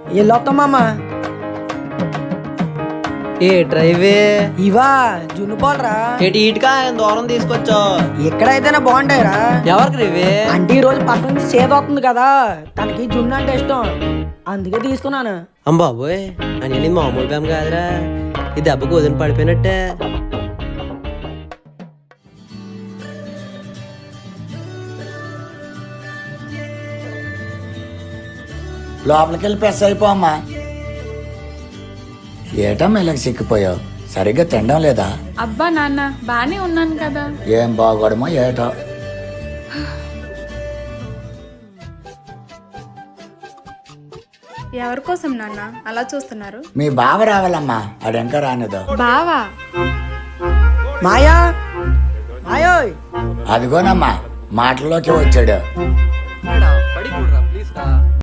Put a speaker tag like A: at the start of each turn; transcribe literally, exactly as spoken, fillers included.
A: వెళ్ళొస్తామమ్మా.
B: ఏ డ్రైవే
A: ఇవా జున్ను పోలరా.
B: ఏటి ఇటుకా దూరం తీసుకొచ్చా.
A: ఎక్కడైతేనే బాగుంటాయిరా.
B: ఎవరికి రివే?
A: అంటే ఈ రోజు పక్క నుంచి సేద వస్తుంది కదా, తనకి జున్ను అంటే ఇష్టం, అందుకే తీసుకున్నాను.
B: అంబాబోయ్ అని మామూలు బేమ కాదురా, ఈ దెబ్బకు వదిలి పడిపోయినట్టే.
C: లోపలికి వెళ్ళి ప్రెస్ అయిపోమ్మా. ఏటమ్మా ఇలా సిక్కిపోయావు? సరిగ్గా తినడం లేదా?
D: అబ్బా నాన్న బానే ఉన్నాను కదా.
C: ఏం బాగోడమో ఏటో.
D: ఎవరి కోసం నాన్న అలా చూస్తున్నారు?
C: మీ బావ రావాలమ్మా, అడెంకా రానిదో.
D: బావా?
A: మాయా మాయోయ్
C: అదిగోనమ్మా మాటల్లోకి వచ్చాడు.